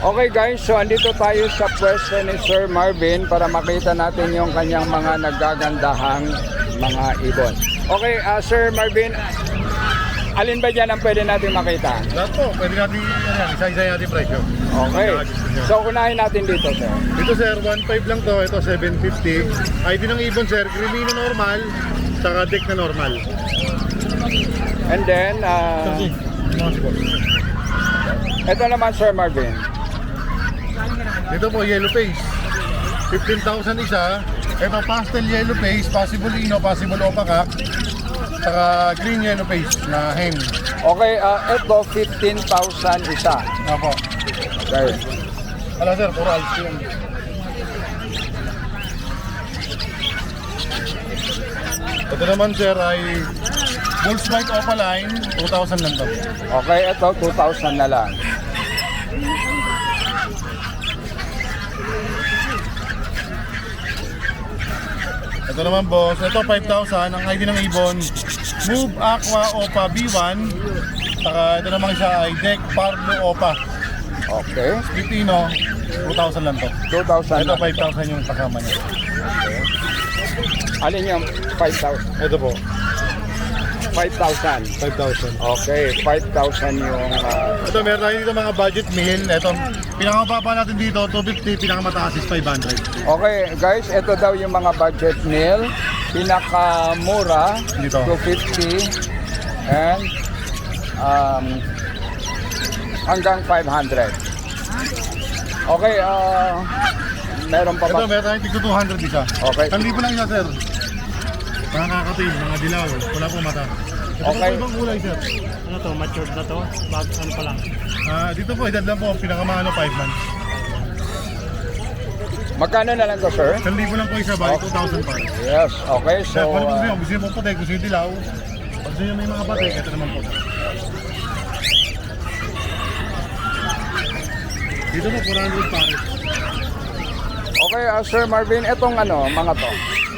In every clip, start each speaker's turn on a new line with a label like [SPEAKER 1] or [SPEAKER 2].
[SPEAKER 1] Okay guys, so andito tayo sa pwesto ni Sir Marvin para makita natin yung kanyang mga nagagandahang mga ibon. Okay, Sir Marvin, alin ba dyan ang pwede natin makita?
[SPEAKER 2] Lahat po, pwede natin isa-isa natin presyo.
[SPEAKER 1] Okay, so unahin natin dito sir.
[SPEAKER 2] Ito sir, 1.5 lang to, ito 750. ID ng ibon sir, creamy na normal, saka deck na normal.
[SPEAKER 1] And then, ito naman Sir Marvin.
[SPEAKER 2] Ito po, yellow face. 15,000 isa. Ito pastel yellow face, possible ino, possible opaca. Saka green yellow face na hen.
[SPEAKER 1] Okay, ito 15,000 isa.
[SPEAKER 2] Apo.
[SPEAKER 1] Okay.
[SPEAKER 2] Ala sir, puro alts yan. Ito naman sir ay Bulls White Opaline, 2,000 lang to.
[SPEAKER 1] Okay, ito 2,000 na lang.
[SPEAKER 2] Ito naman boss, ito 5,000, ang ID ng ibon, Move Aqua Opa B1, saka ito naman isa ay Deck Pardo Opa,
[SPEAKER 1] Okay,
[SPEAKER 2] Filipino, 2,000 lang to.
[SPEAKER 1] 2,000
[SPEAKER 2] Ito
[SPEAKER 1] lang.
[SPEAKER 2] 5,000 yung kasama niya.
[SPEAKER 1] Alin yung 5,000?
[SPEAKER 2] Ito po,
[SPEAKER 1] 5,000.
[SPEAKER 2] 5,000.
[SPEAKER 1] Okay, 5,000 yung...
[SPEAKER 2] Ito meron tayo dito mga budget meal, ito pinakamababa natin dito, 250, pinakamataas is 500.
[SPEAKER 1] Okay, guys, ito daw yung mga budget meal. Pinakamura,
[SPEAKER 2] Dito.
[SPEAKER 1] 250 and hanggang 500. Okay, meron pa
[SPEAKER 2] Ito
[SPEAKER 1] ba?
[SPEAKER 2] meron tayo dito 200 isa.
[SPEAKER 1] Okay.
[SPEAKER 2] 1,000 lang isa sir. Mga kakapil, mga dilaw, wala po mata. Ito
[SPEAKER 1] Okay.
[SPEAKER 2] po ibang kulay sir.
[SPEAKER 3] Ano to, matured na to? Ano pa lang?
[SPEAKER 2] Dito po, edad lang po, pinakamahalo 5 months.
[SPEAKER 1] Magkano na lang to, sir?
[SPEAKER 2] 1,000 lang po isa, bali 2,000 pa.
[SPEAKER 1] Yes, okay,
[SPEAKER 2] So,
[SPEAKER 1] so...
[SPEAKER 2] kung gusto nyo po patay, gusto nyo dilaw, pag gusto nyo may mga patay, ito naman po. Dito po, 400 pares.
[SPEAKER 1] Okay, Sir Marvin, etong ano, mga to.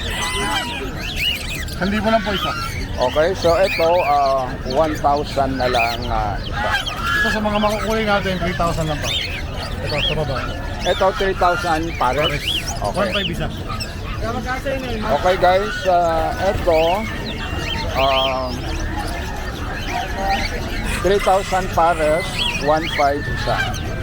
[SPEAKER 2] 1,000 lang po isa.
[SPEAKER 1] Okay, so ito, 1,000 na lang isa.
[SPEAKER 2] Ito sa mga makukulay natin, 3,000 lang pa. Ito, sa baba.
[SPEAKER 1] Ito, 3,000 pares. Okay.
[SPEAKER 2] 1,500 isa.
[SPEAKER 1] Okay guys, ito 3,000 pares, 1,500 isa.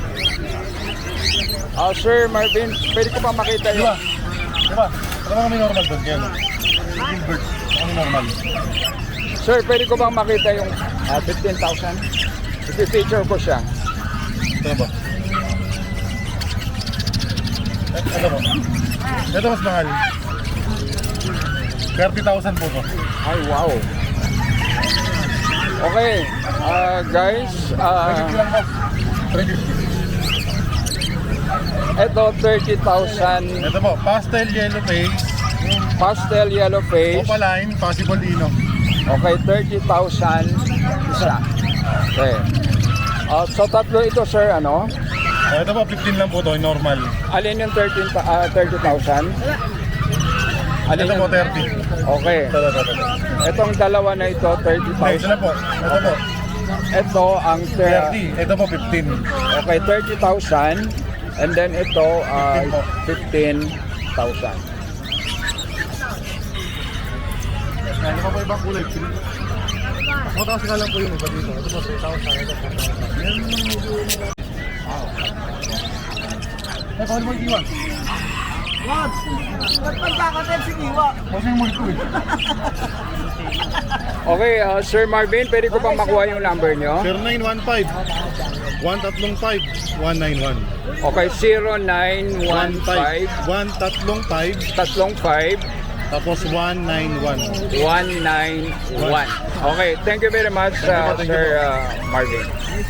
[SPEAKER 1] Sir Marvin, pwede ko pa makita
[SPEAKER 2] Diba?
[SPEAKER 1] yung...
[SPEAKER 2] Diba? Ito mga may normal doon, kaya no? Gilbert, ano normal?
[SPEAKER 1] Sir, pwede ko bang makita yung 15,000? I-feature ko siya.
[SPEAKER 2] Ito ba? Ito ba? Ito mas mahal. 30,000 po to.
[SPEAKER 1] Ay, wow. Okay, guys,
[SPEAKER 2] 350 lang boss. 350.
[SPEAKER 1] ito 30,000
[SPEAKER 2] Ito po, pastel yellow face,
[SPEAKER 1] pastel yellow face.
[SPEAKER 2] Opaline, possible ino.
[SPEAKER 1] Okay, 30,000 isa. Okay. So tatlo ito sir, ano?
[SPEAKER 2] Ito po, 15 lang po to, normal.
[SPEAKER 1] Alin yung 30,000? Alin
[SPEAKER 2] Ito po,
[SPEAKER 1] yung...
[SPEAKER 2] 30.
[SPEAKER 1] Okay.
[SPEAKER 2] Ito.
[SPEAKER 1] Itong dalawa na ito,
[SPEAKER 2] Ito
[SPEAKER 1] 30,000.
[SPEAKER 2] na po, ito po,
[SPEAKER 1] Ito ang
[SPEAKER 2] 30. Ito po, 15.
[SPEAKER 1] okay, 30,000. And then ito, 15,000.
[SPEAKER 2] Ano pa po ibang kulay? Mataas ka lang po yung iba dito. Ito po, 3,000. Ito po, 3,000. Ay, paano mo iwan?
[SPEAKER 3] Ba't pagkakatin si Iwa?
[SPEAKER 2] Kasi yung muli ko eh.
[SPEAKER 1] Okay, Sir Marvin, pwede ko bang makuha yung number nyo?
[SPEAKER 2] 0915 135 191.
[SPEAKER 1] Okay, 0915
[SPEAKER 2] 135
[SPEAKER 1] 35
[SPEAKER 2] tapos 191.
[SPEAKER 1] 191. Okay, thank you very much,
[SPEAKER 2] Thank you,
[SPEAKER 1] Sir Marvin.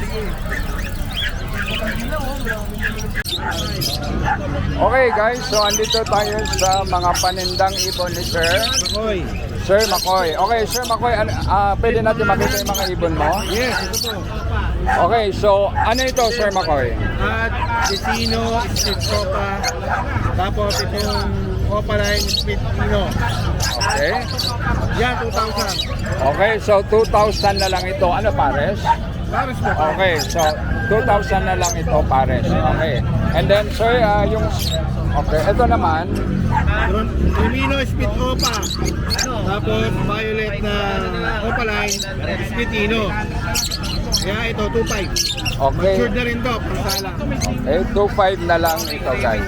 [SPEAKER 1] Okay guys, so andito tayo sa mga panindang ibon ni Sir Makoy. Okay, Sir Makoy, pwede natin makita yung mga ibon mo?
[SPEAKER 3] Yes, ito po.
[SPEAKER 1] Okay, so ano ito, Sir Makoy?
[SPEAKER 3] At Ticino, Split Copa, tapos itong Opaline, Split Ino.
[SPEAKER 1] Okay.
[SPEAKER 3] Yan, 2,000.
[SPEAKER 1] Okay, so 2,000 na lang ito. Ano pares?
[SPEAKER 3] Paris po.
[SPEAKER 1] Okay, so 2,000 na lang ito pares. Okay. And then, sir, yung... Okay, ito naman.
[SPEAKER 3] Crimino Split Opa. Tapos violet na Opaline, Split Ino. Kaya ito, 2.5.
[SPEAKER 1] Okay.
[SPEAKER 3] Matured na rin to, pansala.
[SPEAKER 1] Okay, 2,500 na lang ito, guys.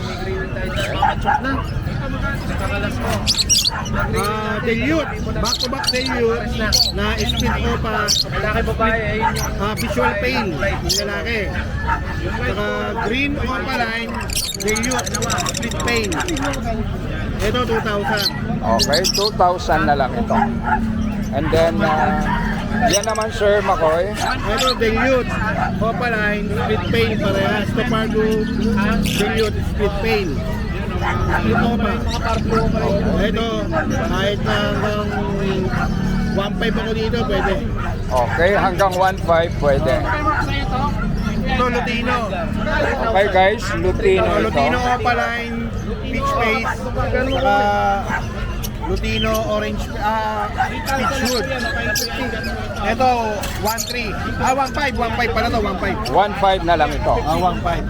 [SPEAKER 3] Dilute, back-to-back dilute na Split Opa. Lalaki babae, visual pain, yung lalaki. Saka green Opaline, dilute, split pain. Ito, 2,000.
[SPEAKER 1] Okay, 2,000 na lang ito. And then, yan naman, Sir Makoy.
[SPEAKER 3] Ito, dilute, Opaline, split pain, parehas. Topardo, dilute, split pain. Ito pa. Ito, kahit na hanggang 1.5 ako dito, pwede.
[SPEAKER 1] Okay, hanggang 1,500 pwede.
[SPEAKER 3] Ito, Lutino.
[SPEAKER 1] Okay, guys, Lutino ito.
[SPEAKER 3] Lutino Opaline, peach face, saka Lutino orange, peach wood. Ito, 1.3. 1.5 pala to, 1.5.
[SPEAKER 1] 1,500 na lang ito.
[SPEAKER 3] 1.5.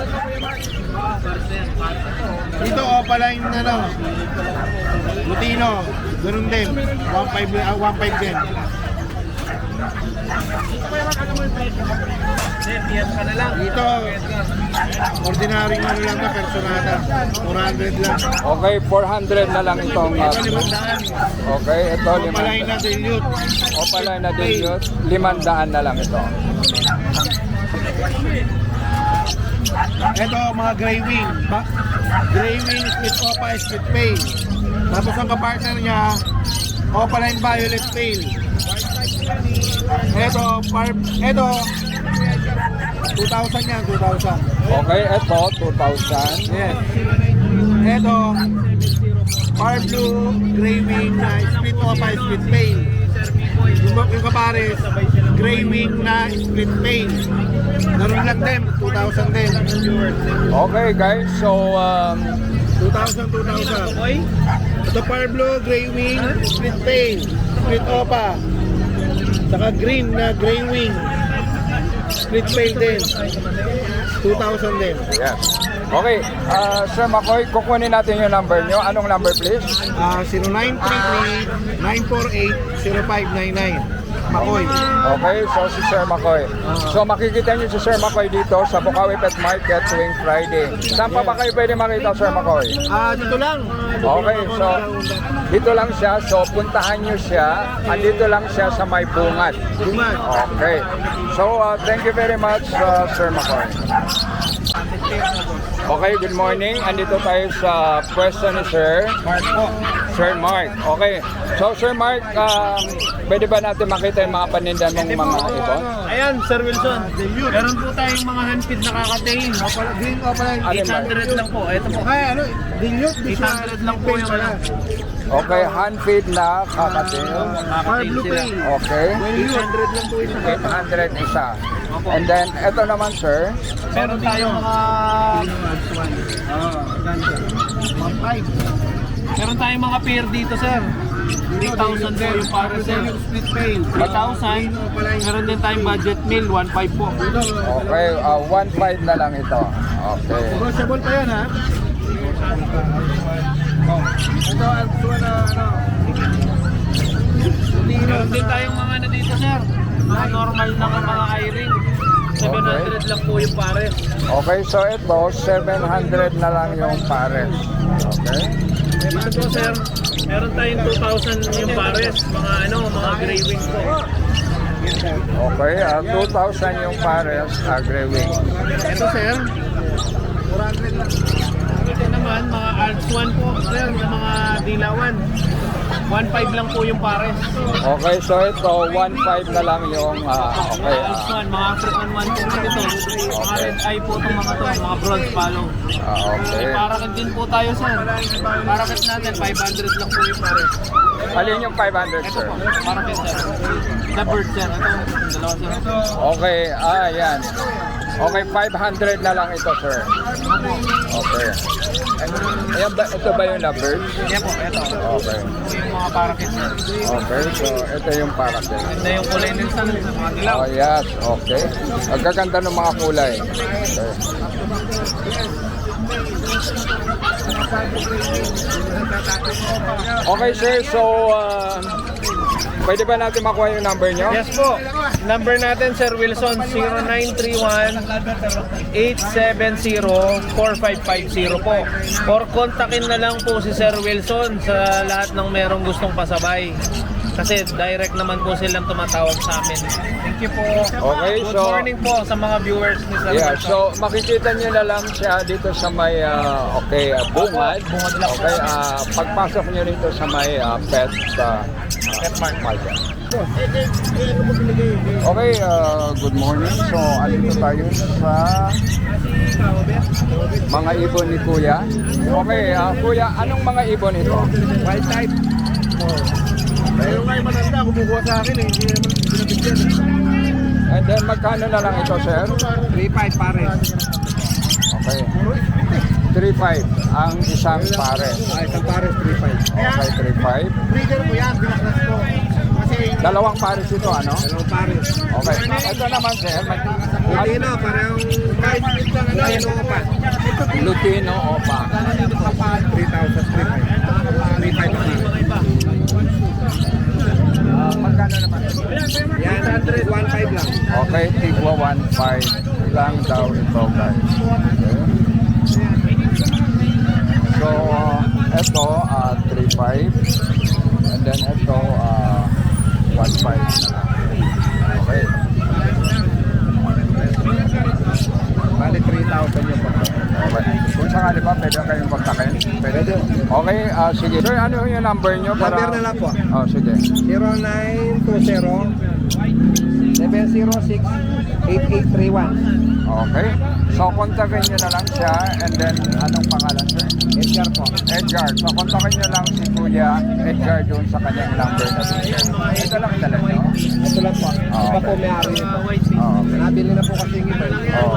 [SPEAKER 3] Dito, Opaline, Lutino, ganun din. 1.5 din. Dito, ordinary lang na personata. 400 lang.
[SPEAKER 1] Okay, 400 na lang itong...
[SPEAKER 3] Ito, 500.
[SPEAKER 1] okay, ito,
[SPEAKER 3] Opaline
[SPEAKER 1] 500.
[SPEAKER 3] na dilute.
[SPEAKER 1] Opaline na din yun, 500 na lang ito.
[SPEAKER 3] Ito, mga gray wing. Gray wing, split opa, split pail. Tapos ang kapartner niya, Opaline violet pail. Ito, 2,000 yan, 2,000.
[SPEAKER 1] Okay, ito, 2,000.
[SPEAKER 3] Yes. Ito, Par Blue, Gray Wing na split opa, split pail. Yung kapares, Gray Wing na split pail. Naroon lang din, 2,000 din.
[SPEAKER 1] Okay, guys, so...
[SPEAKER 3] 2,000. Ito Par Blue, Gray Wing, split pail, split opa. Saka green na Gray Wing, split pail din. 2,000 din.
[SPEAKER 1] yes. Okay, Sir Makoy, kukunin natin yung number nyo. Anong number, please?
[SPEAKER 3] 0933-948-0599. Makoy.
[SPEAKER 1] Okay, so si Sir Makoy. So makikita niyo si Sir Makoy dito sa Bukawi Pet Market tuwing Friday. Saan pa ba kayo pwede makita, Sir Makoy?
[SPEAKER 3] Dito lang.
[SPEAKER 1] Okay, so dito lang siya. So puntahan niyo siya. Andito lang siya sa may bungad.
[SPEAKER 3] Bungad.
[SPEAKER 1] Okay. So thank you very much, Sir Makoy. Okay, good morning. Andito tayo sa pwesto ni Sir Sir Mark. Okay. So Sir Mark, pwede ba natin makita yung mga paninda ng mga ito?
[SPEAKER 3] Ayan, Sir Wilson. Meron po tayong mga handpid na kakatayin. Green Opaline.
[SPEAKER 1] Alin ba?
[SPEAKER 3] 800 lang po. Ito po. Ay, dilute. 800 lang po yung
[SPEAKER 1] Okay, hand feed na kakatil.
[SPEAKER 3] Par Blue Pail.
[SPEAKER 1] Okay.
[SPEAKER 3] 800 lang po isa.
[SPEAKER 1] 800 isa. And then, ito naman, sir.
[SPEAKER 3] Meron tayong mga... 1.5. Meron tayong mga pair dito, sir. 3,000 po yung para, sir. Split pail. 3,000. Meron din tayong budget meal, 1.5 po.
[SPEAKER 1] Okay, 1.5 na lang ito. Okay.
[SPEAKER 3] Negotiable pa yan, ha? Ito, Alpsua na, Meron din tayong mga dito, sir. Mga normal na mga i-ring. 700 lang po yung pares.
[SPEAKER 1] Okay, so ito, 700 na lang yung pares. Okay.
[SPEAKER 3] Dito po, sir, meron tayong 2,000 yung pares. Mga gray wings po.
[SPEAKER 1] Okay, 2,000 yung pares, gray wing.
[SPEAKER 3] Ito, sir, 400 lang. Ito naman, mga Alps 1 po, sir, yung mga dilawan. 1.5 lang po yung pares.
[SPEAKER 1] Okay, so ito, 1.5 na lang yung, okay.
[SPEAKER 3] Alps 1, mga African 1 po ito. Mga red eye po itong mga to, mga bronze follow.
[SPEAKER 1] Okay.
[SPEAKER 3] May parakat din po tayo, sir. Parakat natin, 500 lang po yung pares.
[SPEAKER 1] Alin yung 500,
[SPEAKER 3] Ito
[SPEAKER 1] sir?
[SPEAKER 3] po, parakat, sir. The bird, sir. Ito, yung dalawa, sir.
[SPEAKER 1] Okay, yan. Okay, 500 na lang ito, sir. Okay. Ayan ba, ito ba yung lovebird?
[SPEAKER 3] Yan po, ito.
[SPEAKER 1] Okay.
[SPEAKER 3] Yung mga parakit na.
[SPEAKER 1] Okay, so ito yung parakeet.
[SPEAKER 3] Ito yung kulay ng sun sa mga dilaw.
[SPEAKER 1] Oh, yes. Okay. Ang gaganda ng mga kulay. Okay. Okay, sir. So, pwede ba natin makuha yung number nyo?
[SPEAKER 3] Yes po. Number natin, Sir Wilson, 0931-870-4550 po. Or kontakin na lang po si Sir Wilson sa lahat ng merong gustong pasabay. Kasi direct naman po silang tumatawag sa amin. Thank you po.
[SPEAKER 1] Okay,
[SPEAKER 3] Good
[SPEAKER 1] so-
[SPEAKER 3] morning po sa mga viewers ni Sir
[SPEAKER 1] Yeah,
[SPEAKER 3] Wilson.
[SPEAKER 1] so makikita nyo na lang siya dito sa may, bungad.
[SPEAKER 3] Bungad lang po.
[SPEAKER 1] Okay, pagpasok nyo rito sa may pet market. Okay, good morning. So, andito tayo sa mga ibon ni Kuya. Okay, Kuya, anong mga ibon ito?
[SPEAKER 3] Wild type. Pero nga yung matanda, kumukuha sa akin eh. Hindi naman binabigyan eh.
[SPEAKER 1] And then, magkano na lang ito, sir?
[SPEAKER 3] 3.5 pares.
[SPEAKER 1] Okay. 3.5 ang isang pare.
[SPEAKER 3] Isang pares, 3.5.
[SPEAKER 1] Okay, 3.5.
[SPEAKER 3] Breeder mo yan, binaklas ko. Kasi
[SPEAKER 1] Dalawang pares ito, ano?
[SPEAKER 3] dalawang pares.
[SPEAKER 1] Okay. Ito naman, sir.
[SPEAKER 3] Lutino, parang kahit Lutino pa.
[SPEAKER 1] Lutino Opa.
[SPEAKER 3] 3,000, 3.5. 3.5 pa.
[SPEAKER 1] Magkano naman?
[SPEAKER 3] Yan, 1.5 lang.
[SPEAKER 1] Okay, tigwa 1.5 lang daw ito, guys. Okay. So, ito, 3.5. And then ito, 1.5. Okay.
[SPEAKER 3] Bali, 3,000 yung pagkakas.
[SPEAKER 1] Okay. Kung sakali ba, pwede kayong kontakin? Pwede. Okay, sige. Sir, ano yung number nyo?
[SPEAKER 3] Number na lang po.
[SPEAKER 1] Oh, sige.
[SPEAKER 3] 0920-706-8831.
[SPEAKER 1] Okay. So, kontakin nyo na lang siya. And then, anong pangalan, sir?
[SPEAKER 3] Edgar po.
[SPEAKER 1] Edgar. So, kontakin nyo lang si Kuya Edgar doon sa kanyang number na dito. Ito lang dala nyo.
[SPEAKER 3] Ito lang po. Iba po may-ari nito.
[SPEAKER 1] Oh, okay.
[SPEAKER 3] Nabili na po kasi yung iba.
[SPEAKER 1] Oh.